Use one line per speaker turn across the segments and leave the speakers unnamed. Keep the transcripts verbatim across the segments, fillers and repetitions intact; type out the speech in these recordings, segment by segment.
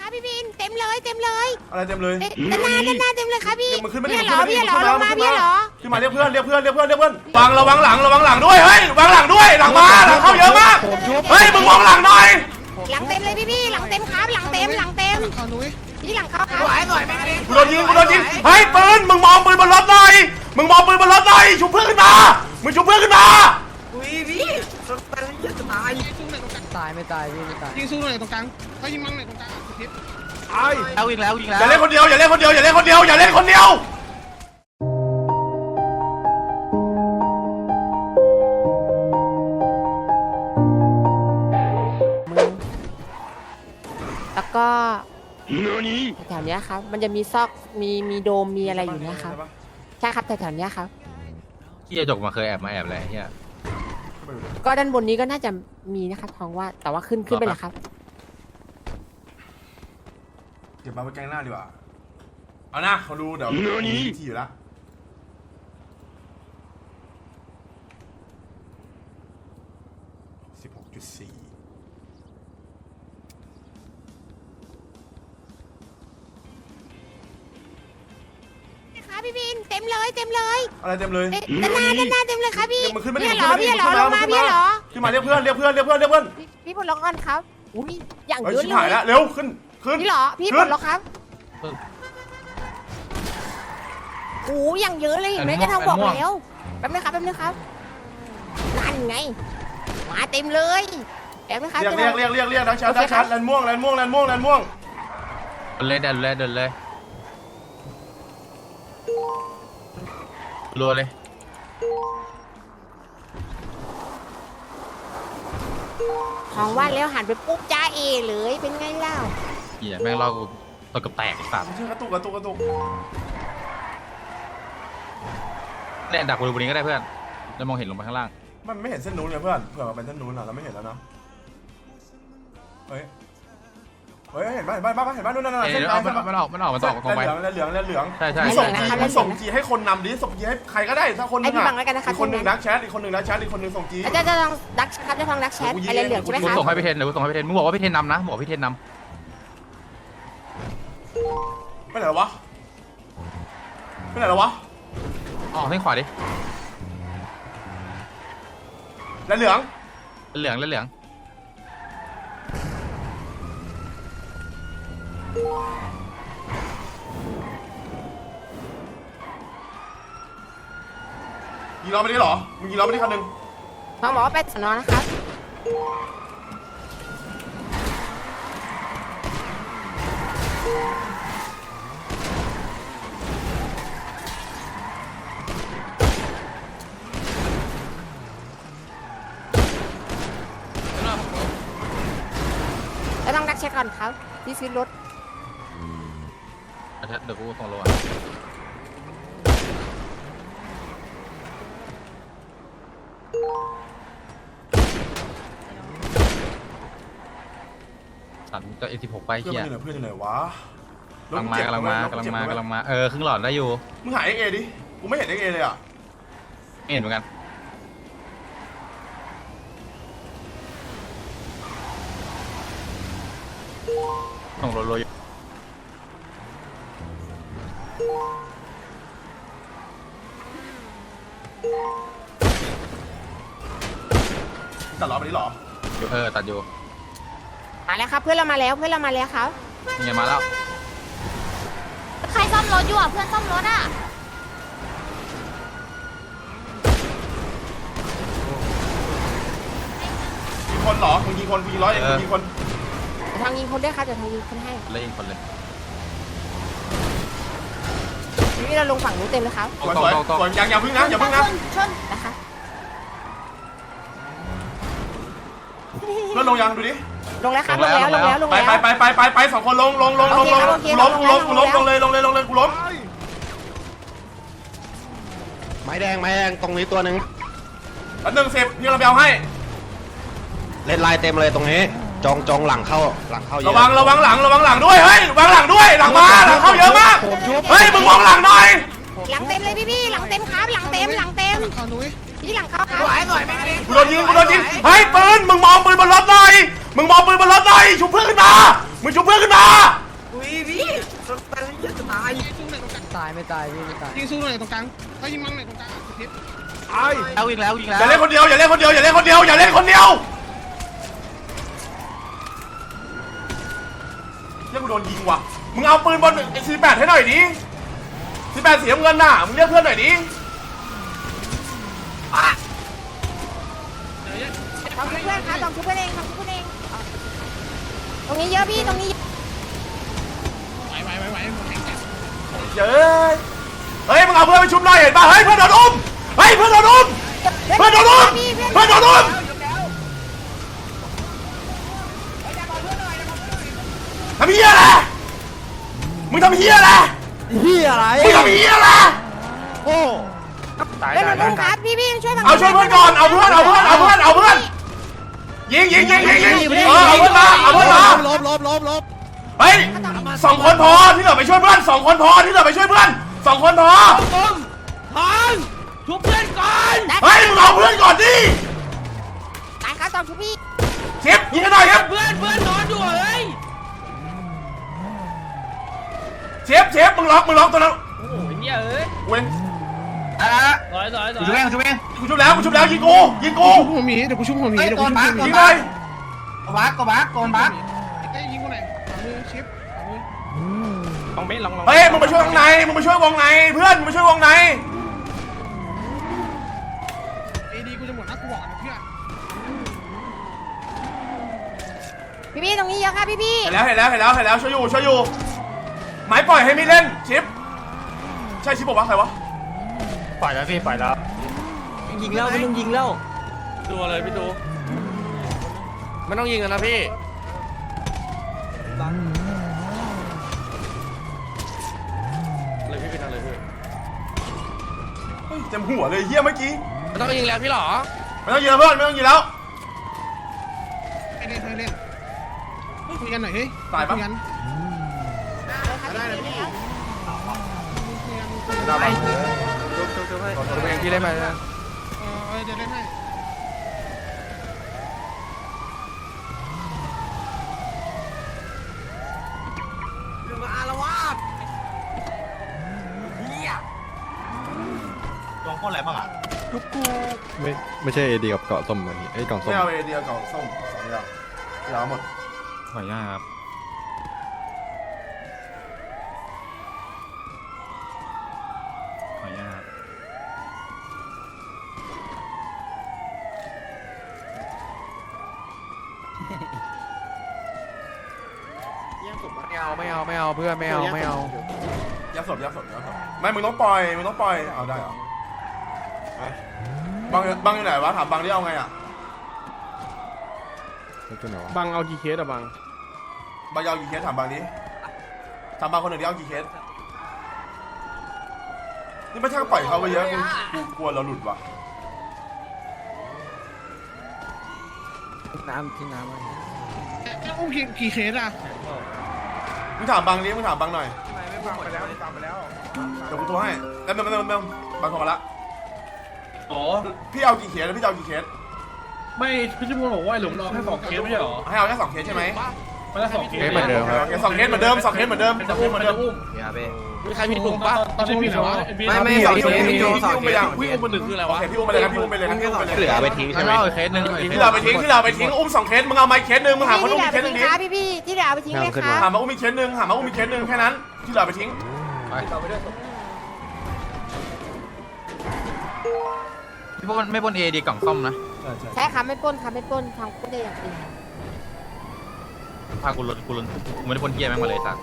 ครับพี่บินเต็มเลยเต็มเลย
อะไรเต็มเลย
ด้านหน้าด้านหน้าเต็มเลยครับพี่
มึงขึ้นมาดิ
พี่เหรอพี่เหรอลงมาพี่เหรอ
ขึ้นมาเรียกเพื่อนเรียกเพื่อนเรียกเพื่อนเรียกเพื่อนวางระวังหลังระวังหลังด้วยเฮ้ยวางหลังด้วยหลังมาหลังเข้าเยอะมากเฮ้ยมึงมองหลังหน่อย
หลังเต็มเลยพี่พี่หลังเต็มครับหลังเต็มหลังเต็มพี่หลังเข้าครับ
กูโดนยิงกูโดนยิงเฮ้ยปืนมึงมองปืนบนรถหน่อยมึงมองปืนบนรถหน่อยชุบเพื่อนขึ้นมามึงชุบเพื่อนขึ้นมา
อุ้ยพี่จะตาย
ตายไม่ตายพี่ไม่ตาย
ยิงสู้หน่อยตรงกลางเขายิงมั่งหน่อยตรงกลางทิศ
ไอ้
เอาอีกแล้วอีกแล้ว
อย่าเล่นคนเดียวอย่าเล่นคนเดียวอย่าเล่นคนเดียวอย่าเล่นคนเดียว
แล้วก็แถวๆนี้ครับมันจะมีซอกมีมีโดมมีอะไรอยู่เนี่ยครับใช่ครับแถวๆนี้ครับ
ที่จะจกมาเคยแอบมาแอบอะไรเฮีย
ก็ด้านบนนี้ก็น่าจะมีนะครับท้องว่าแต่ว่าขึ้นขึ้นไปแล้วครับ
เก็บมาไว้แกงหน้าดีกว่าเอาหน้าเขาดูเดี๋ยวมีที่อยู่แล้วสิบหกจุดสี่
ครับพี่บินเต็มเลยเต็มเลย
อะไรเต็มเลย
ด้านหน้าด้านหน้าเต็มเลยครับพี่
มึงขึ้นมาดิ
พี่เหรอพี่เหรอลงมาพี่เหรอ
ขึ้นมาเรียกเพื่อนเรียกเพื่อนเรียกเพื่อนเรียกเพื่อน
พี่ปลดล็อกก่อนครับอุ้ยอย่างเยอะเลย
ชิบหายแล้วเร็วขึ้นขึ้น
พี่เหรอพี่ปลดล็อกครับโอ้ยอย่างเยอะเลยเห็นไหมจะทำบอกแล้วแป๊บนึงครับแป๊บนึงครับนั่นไงมาเต็มเลยแป๊บนึงครับ
เรียกเรียกเรียกเรียกเรียกดักชัดดักชัดแลนม่วงแลนม่วงแลนม่วงแลนม่วง
เดินเลยเดินเลยเดินเลยรัวเลย
ของว่าแล้วหันไปปุ๊บจ้าเอเลยเป็นไงเล่า
เหี้ยแม่งเราตัวกระแตกสัตว์
กระตุกกระตุกกระตุก
เนี่ยดักบริเวณนี้ก็ได้เพื่อนแล้วมองเห็นลงไปข้างล่าง
มันไม่เห็นเส้นนู้นเลยเพื่อนเผื่อมันเป็นเส้นนู้นอ่ะเราไม่เห็นแล้วนะเฮ้ยเฮ้ยเห็นไหมเห็นไหมบ้าเห็นไหมนู่นนั่นนั่นเส้น
มันมันออกมันออกมันออกตรงไป
เหลืองเหลืองเหลือง
ใช่ใช่
ส่งจีส่งจีให้คนนำดิส่งจีให้ใครก็ได้ถ้าคนนึงอ่ะอีกคนหนึ่งดักแชทอีกคนหนึ่งดักแชทอีกคนหนึ่งส่งจี
จะจะลองดักครับจะลองดักแชทอะไรเหลืองใช่ไหมครับ
ส่งให้พี่เทนเดี๋ยวส่งให้พี่เทนมึงบอกว่าพี่เทนนำนะบอกพี่เทนนำ
ไปไหนวะไปไหนวะ
อ๋อให้ขวาดิ
แล้วเหลือง
เหลืองแล้วเหลือง
ยิงล้อไปดิหรอมึงยิงล้อไปดิคันหนึ่ง
เขาบอกว่าไปสนอนะครับแล้วต้องดักเช็คก่อนครับที่ซื้อรถ
อาทิตย์เดี๋ยวกูส่งโลอ่ะสัตว์จะเอสิบหกไปเฮีย
เพื่อนอยู่ไหนวะ
กำลังมากำลังมากำลังมากำลังมาเออครึ่งหลอดได้อยู่
มึงหายเอ็กเอดิกูไม่เห็นเอ็กเอเลยอ่ะ
ไม่เห็นเหมือนกันส่งโลโลอยู่
ตัดล้อไปดิหรอ
เออตัดอยู่
มาแล้วครับเพื่อนเรามาแล้วเพื่อนเรามาแล้วครับ
นี่ไงมาแล้ว
ใครซ่อมรถอยู่อ่ะเพื่อนซ่อมรถอ่ะ
ยิงคนหรอมึงยิงคนยิงร้อยเองมึงยิงคน
ทางยิงคนด้วยครับเดี๋ยวทางยิงคนให้
เลยยิงคนเลย
นี่เราลงฝั่งนู้นเต็มเลยครับ
สวยสวยสวยยังอย่าพึ่งนะอย่าพึ่งนะ
ชนนะคะ
รถลงยังดูดิ
ลงแล้วครับลงแล้วลงแล้วลงแล้ว
ไปไปไปไปไปสองคนลงลงลงลงลงกูล้มกูล้มกูล้มลงเลยลงเลยลงเลยกูล้ม
ไม้แดงไม้แดงตรงนี้ตัวหนึ่ง
อันหนึ่งสิบพี่เราไปเอาให้
เล่นลายเต็มเลยตรงนี้จองจองหลังเข้าหลังเข้าเยอะ
ระวังระวังหลังระวังหลังด้วยเฮ้ยวางหลังด้วยหลังมาหลังเข้าเยอะมากเฮ้ยมึงมองหลังหน่อย
หลังเต็มเลยพี่พี่หลังเต็มครับหลังเต็มหลังเต็มพี่หลังเข้าครับ
กูโดนยิงกูโดนยิงเฮ้ยปืนมึงมองปืนบนรถหน่อยมึงมองปืนบนรถหน่อยชุบเพื่อนขึ้นมามึงชุบเพื่อนขึ้นมา
ยิงสู้หน่อยตรงกลาง
ตายไม่ตายพี่ไม่ตาย
ยิงสู้หน่อยตรงกลางถ้ายิงมังหน่อยตรงกลางสุดทิศ
เอาอีกแล้วอีกแล้ว
อย่าเล่นคนเดียวอย่าเล่นคนเดียวอย่าเล่นคนเดียวอย่าเล่นคนเดียวเรียกกูโดนยิงว่ะมึงเอาปืนบนไอ้สี่แปดให้หน่อยดิสี่แปดเสียเงินน่ะมึงเรียกเพื่อนหน่อยดิ
ทำชุบเพื่อนครับทำชุบเพื่อนเองทำชุบเพื่อนเองตรงนี้เยอะพี่ตรงนี้
ไหวไหวไหวไหวหมดแข่งกัน
เย้ยเฮ้ยมึงเอาเพื่อนไปชุบหน่อยเห็นป่ะเฮ้ยเพื่อนโดนอุ้มเฮ้ยเพื่อนโดนอุ้มเพื่อนโดนอุ้มเพื่อนโดนอุ้มทำเหี้ยอะไรมึงทำเหี้ยอะไร
เฮียอะไร
มึงทำเหี้ยอะไร
โอ้
เล่นเล่นครับพี่พี่ช่วยฝั่ง
เอาช่วยเพื่อนก่อนเอาเพื่อนเอาเพื่อนเอาเพื่อนเอาเพื่อนยิงยิงยิงยิงยิงเออเอาเพื่อนมาเอาเพื่อนมา
ลบลบลบลบ
เฮ้ยสองคนพอที่เหลือไปช่วยเพื่อนสองคนพอที่เหลือไปช่วยเพื่อนสองคนพอ
พังชุบเพื่อนก่อน
เฮ้ยมึงเอาเพื่อนก่อนดิ
ตายครับทำชุบพี่
เชฟยิงให้หน่อยครับ
เพื่อนเพื่อนนอนอยู่เฮ้ย
เชฟเชฟมึงล็อกมึงล็อกตัวนั้น
โอ้ยเฮียเอ้ย
เว้ย
สอยสอยสอย
ชุบเองชุบเอง
กูชุบแล้วกูชุบแล้วยิงกูยิงกู
ชุบหัวหมีเดี๋ยวกูชุบหัวหมีเดี๋ยวกูชุบหัวหมี
ยิงเลย
บักก็บักโกนบัก
เอ้ยยิงกูหน่อยขวามือชิปขวามือ
ลองเม็ดลองลอง
เฮ้ยมึงมาช่วยวงในมึงมาช่วยวงในเพื่อนมึงมาช่วยวงใน
เอดีกูจะหมดนะกูบอกนะเพื่อน
พี่พี่ตรงนี้เยอะครับพี่พี่
เห็นแล้วเห็นแล้วเห็นแล้วเห็นแล้วช่วยอยู่ช่วยอยู่ไม้ปล่อยให้ไม่เล่นชิปใช่ชิปบอกว่าใครวะ
ปล่อยแล้วพี่ปล่อยแล้ว
ยิงแล้วไม่ต้องยิงแล้ว
ตัวเลยพี่ตูไม่ต้องยิงกันนะพี่เลยพี่พี่ทำเลยพี่
เฮ้ยเต็มหัวเลยเฮียเมื่อกี้
ไม่ต้องยิงแล้วพี่หรอ
ไม่ต้องยิงแล้วเพื่อนไม่ต้องยิงแล้ว
ให้เล่นให้เล่นเฮ้ยคุยกันหน่อยเฮ้ย
ตายปะ
คุกัน
ได้เลยพี่
ได้ปะ
ตัวเองพี่เล่นไปนะ
เออเออเดี๋ยวเล่นให้
มาอารวาส
ลองพ่นอะไรบ้างอ่ะ
ไม่ไม่ใช่เอดีกับเกาะส้มอันนี้ไอ้ยกล่องส้ม
ไม่เอาเอเดียกล่องส้มสองอย่างเหลือหมด
ขออนุญาตครับขออนุญาต
ไม่เอาไม่เอาไม่เอาเพื่อนไม่เอาไม่เอา
ยัดศพยัดศพยัดศพไม่มึงต้องปล่อยมึงต้องปล่อยเอาได้เหรอไปบังบังอยู่ไหนวะถามบังที่เอาไงอ่ะ
แล้วตัวไหนวะ
บังเอากี่เคสอะบัง
บังยาวกี่เคสถามบังดิถามบังคนหนึ่งที่เอากี่เคสนี่ไม่ใช่ปล่อยเขาไปเยอะกูกูกลัวเราหลุดว่ะ
น้ำทิ้งน้ำไว้
แล้วอุ้มกี่กี่เคสอะ
มึงถามบังดิมึงถามบังหน่อยเดี๋ยวกูโทรให้แล้วเมื่อเมื่อเมื่อบังโทรมาละ
อ๋อ
พี่เอากี่เคสแล้วพี่จะเอากี่เคส
ไม่พี่ชิพลบอกว่าไอ้หลุมรอแค่สองเคสไม่ใช่เหรอ
ให้เอาแค่สองเคสใช่ไหม
ไม่ได้สองเคส
เอ้ยเหมือนเดิมครับ
โอเคสองเคสเหมือนเดิมสองเคสเหมือนเดิม
เป็น
สองเค
อุ้
ส
ม
เหมือน
เป็
เดิ
น
ม
อุ้ม
มีใครมีถุงปะ
ตอนนี้พี่ไหนวะ
ไม่ไม่
พี่
สอง
พี่
เคส
พี่
พี่โจสอง
อุ้ม
เค
ไป
ส
ยัง
อุ้ยอุ้มมือหนึ่งคืออะไร
โอ
วะ
เคพี่อุ้มไปเลยครับพี่อุ้มไปเลยครับพี่อุ้มไปเลย
เหลือไปทิ้งใช่ไหม
ไม่เอาอีกเคสหนึ่ง
ที่เราไปทิ้งที่เราไปทิ้งอุ้มสองเคสมึงเอาไม้เคสหนึ่งมึงหาคนอุ้มอีกเคสหนึ่งดิ
พี่พี่ที่เหลือเอาไปทิ้งเลยครับ
หามาอุ้มอีกเคสหนึ่งหามาอุ้มอีกเคสหนึ่งแค่นั้นที่เหลือไปทิ้ง
พี่พวกมันไม่บนเอดีกล่องส้มนะ
ใช่ครับไม่ปล้นครับไม่ปล้นทำก็ได้อย่างอื่น
พากูลนกูลนกูไม่ได้บนเกียร์แม่งมาเลยสัก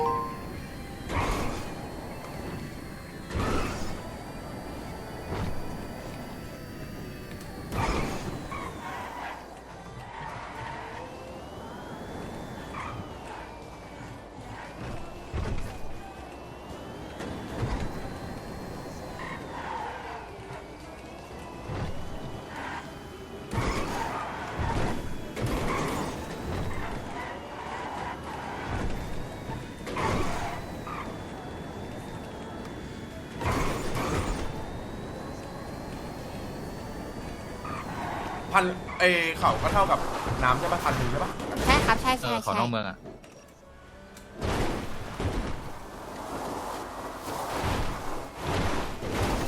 พันเอเข่าก็เท่ากับน้ำใช่ปะพันหนึ่งใช่ปะ
ใช่ครับใช่
เอ
ใช่
อขอ
ใช่
นอกเมืองอ่ะ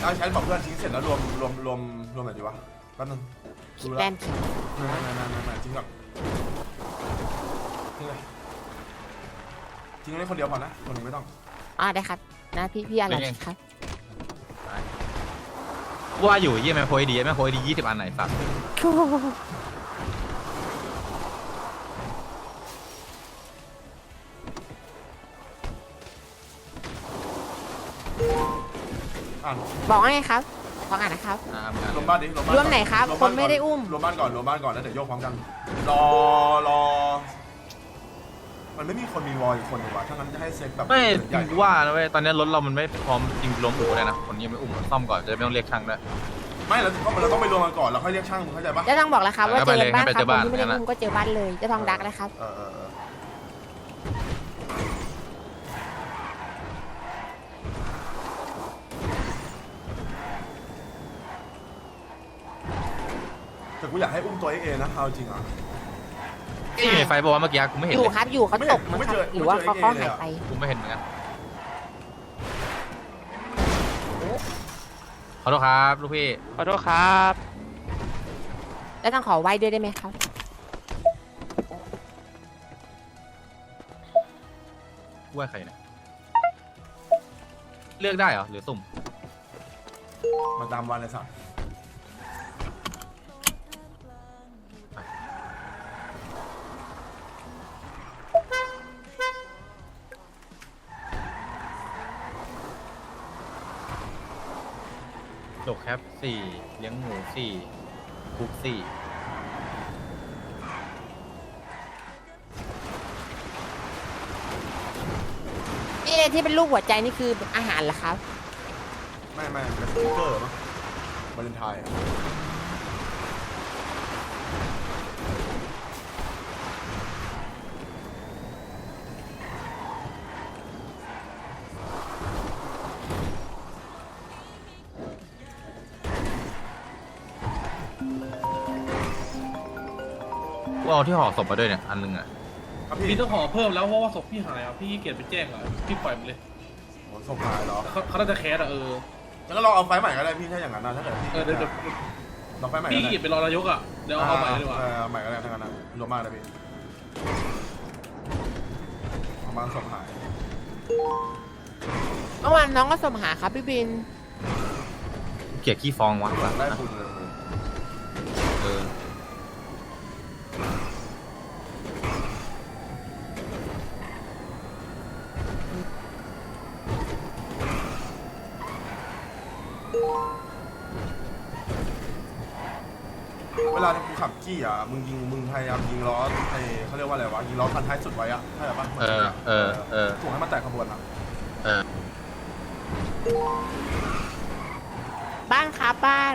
เอาใช้บอกเพื่อนทิ้งเสร็จแล้วรวมรวมรวมรวมไหนดีวะแป๊บนึงดู
แล
แล้ว
นด์เขียว
ไม่ไม่ไม่ไม่ไม่ทิ้งก่อนทิ้งเลยทิ้งได้คนเดียวพอนะคนหนึงไม่ต้อง
อ่าได้ครับนะพี่พี่อะไรครับ
ว่าอยู่เยี่ยมแม่โพยดีแม่โพยดียี่สิบอันไหนสัตว์
อ่าน
บอกว่าไงครับบอกอ่านนะครับ
อ่าเหมือนกัน
รวมบ้านดิรวมบ้าน
รวมไหนครับ
ว
คนไม่ได้อุ้ม
รวมบ้านก่อนรวมบ้านก่อนแล้วเดี๋ยวโยกพร้อมกันรอรอมันไม่มีคนมีวอลอีกคนหนึ่งวะถ้างั้นจะให้เซ็ตแบบ
ไม่
ใหญ่
กูว่านะเว้ยตอนนี้รถเรามันไม่พร้อมจริงล้มอู่เลยนะคนยังไม่อุ้มซ่อมก่อนจะได้ไม่ต้องเรียกช่างด้วย
ไม่เราต้องเราต้องไปรวมกันก่อนแล้วค่อยเรียกช่างมึงเข้าใจปะ
เจะต้องบอกแล้วครับว่า
เอา
เจ
ไป
อ
เลย
บ้าน
ให้
ค
ไป
รับ
เจอบ้าน
คนที่ไม่ได้
งั้น
อุ้
น่ะ
มก็เจอบ้านเลยเจะทองดักนะครับ
เออเออเออแต่กูอยากให้อุ้มตัวเองเองนะเอาจริงอ่ะ
ที่อยู่ในไฟบอกว่าเมื่อกี้กูไม่เห็น
อยู่
เลย
ครับอยู่เขาตกมั้ง
ไม่
ครั
เจ
บ
อ
หรือว่าเขา
ไม่
เขา
เจอ
หายไป
กูไม่เห็นเหมือนกันขอโทษครับลูกพี่
ขอโทษครับ
แล้วต้องขอไว้ด้วยได้ไหมครับ
ว่าใครเนี่ยเลือกได้เหรอหรือสุ่ม
มาตามวันเลยสัตว์
โดกแคปสี่เลี้ยงหมูสี่คุกสี่
นี่ที่เป็นรูปหัวใจนี่คืออาหารเหรอครับ
ไม่ไม่เป็นสติ๊กเกอร์มั้งวาเลนไทน์อะ
กูเอาที่ห่อศพมาด้วยเนี่ยอันนึงอ่ะ
ครับ
มี
พี่
ต้องขอเพิ่มแล้วเพราะว่าศพพี่หายอ่ะพี่ขี้เกียจไปแจ้งอ่ะพี่ปล่อยมันเลย
โหส่งหายเหรอ
เขาเขาน่าจะแคสอ่ะเออ
แล้วก็ลองเอาไฟล์ใหม่ก็ได้พี่ถ้าอย่างนั้นนะถ้าเกิดพี่
เออเดี๋ยวเดี๋ยว
ลองไฟล์ใหม่
พี่
ก็
ขี้
ได้
เกียจไปรอนายกอ่ะเดี๋ยวเอาเอาใหม่เลยดีกว่า
เออใหม่ก็ได้ทั้งนั้นนะรวมมากเลยพี่ประมาณส่งหาย
เมื่อวานน้องก็สมหาครับพี่บิน
เกลียดขี้ฟองวะ
ได้บุญเลย
เออ
เวลาที่กูขับจี้อ่ะมึงยิงมึงพยายามยิงล้อไอเขาเรียกว่าอะไรวะยิงล้อคันท้ายสุดไว้อ่ะใช่ปะ
เออเออเออ
ถูกให้มันแตกขบวนอ่ะ
เออ
บ้านครับบ้าน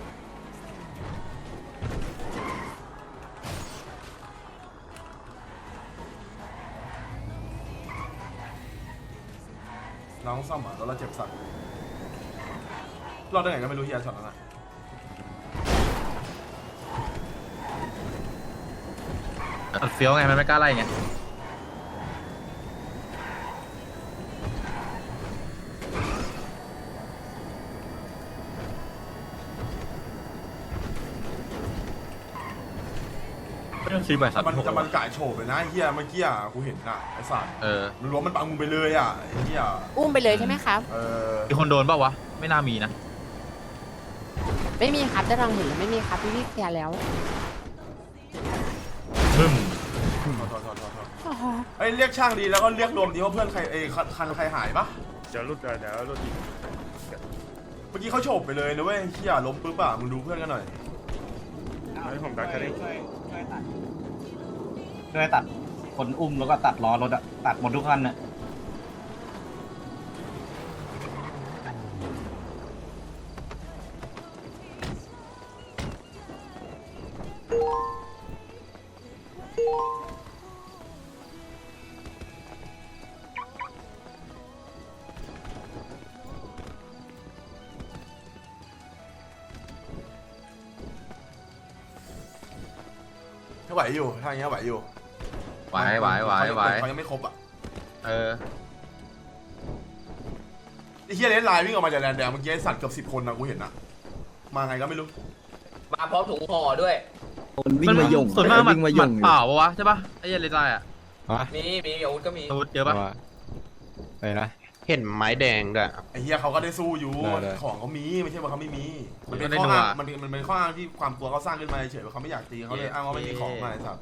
น้องซ่อมอ่ะแล้วเราเจ็บสัตว์รอดได้ไงก็ไม่รู้เฮียช็อตนั้นอ่ะ
มันเฟี้ยวไงมันไม่กล้าไล่ไง ไม่ต้องซื้อใบสัตว์
มัน
หก
จะมันกายโฉบเลยนะไอ้เฮียเมื่อกี้อ่ะกูเห็นอ่ะไอ้สัตว์
เออ
มันรู้ว่ามันปังมึงไปเลยอ่ะไอ้เฮีย
อุ้มไปเลยใช่ไหมครับ
เออ
มีคนโดนเปล่าวะ ไม่น่ามีนะ
ไม่มีครับเจะทองเห็นแล้วไม่มีครับพี่พี่เคลียร์แล้ว
มึม
โทษโทษโทษโทษโทษเอ้ยเรียกช่างดีแล้วก็เรียกรวมดีว่าเพื่อนใครเอ้ยคันคันใครหายปะ
เดี๋ยวรุดเดี๋ยวรุดอีก
เมื่อกี้เขาโฉบไปเลยนะเว้ยเฮียล้มปุ๊บอ่ะมึงดูเพื่อนกันหน่อย
ให้ผมดักแค่นี้
ช่วยตัดคนอุ้มแล้วก็ตัดล้อรถอะตัดหมดทุกคันอะ
ถ้าไหวอยู่ถ้าอย่างเงี้ยไหวอยู่
ไหวไหวไหวไหว
เขายังไม่ครบอ่ะ
เออ
ไอ้เฮียเลนไลน์วิ่งออกมาจากแดนแดงเมื่อกี้ไอ้สัตว์เกือบสิบคนนะกูเห็นนะมาไงก็ไม่รู้
มาพร้อมถุงห่อด้วย
วิ่งมาย่งส่วนมากมันหมัดเปล่าปะวะใช่ปะไอ้เหี้ยเลนไลน์อ่ะ
ฮะ
มีมีอาวุธก็มี
อาวุธเยอะปะ
ว่าไปนะ
เห็นไม้แดงด้วย
ไอ้เฮียเขาก็ได้สู้อยู่
ได้ได้
ของเขามีไม่ใช่ว่าเขาไม่มี มันเป็นข้ออ้างมันเป็นมันเป็นข้ออ้างที่ความกลัวเขาสร้างขึ้นมาเฉยว่าเขาไม่อยากตีเขาเลยอ้างว่าไม่มีของมาไอ้สัตว์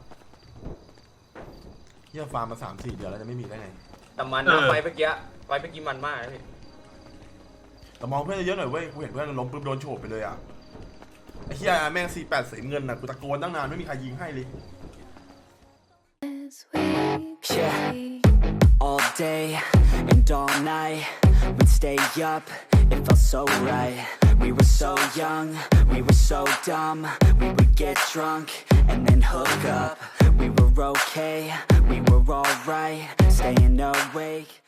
เฮียฟาร์มมาสามสี่เดือนแล้วจะไม่มีได้ไง
แต่มันนะไฟเมื่อกี้ไฟเมื่อกี้มันมากนะพี่
แต่มองเพื่อนเยอะหน่อยเว้ยกูเห็นเพื่อนล้มปุ๊บโดนโฉบไปเลยอ่ะไอ้เฮียแม่งสี่แปดสีเงินน่ะกูตะโกนตั้งนานไม่มีใครยิงให้เลย
Yeah, all day and all night, we'd stay up, it felt so right. We were so young, we were so dumb, we would get drunk and then hook up. We were okay, we were alright, staying awake.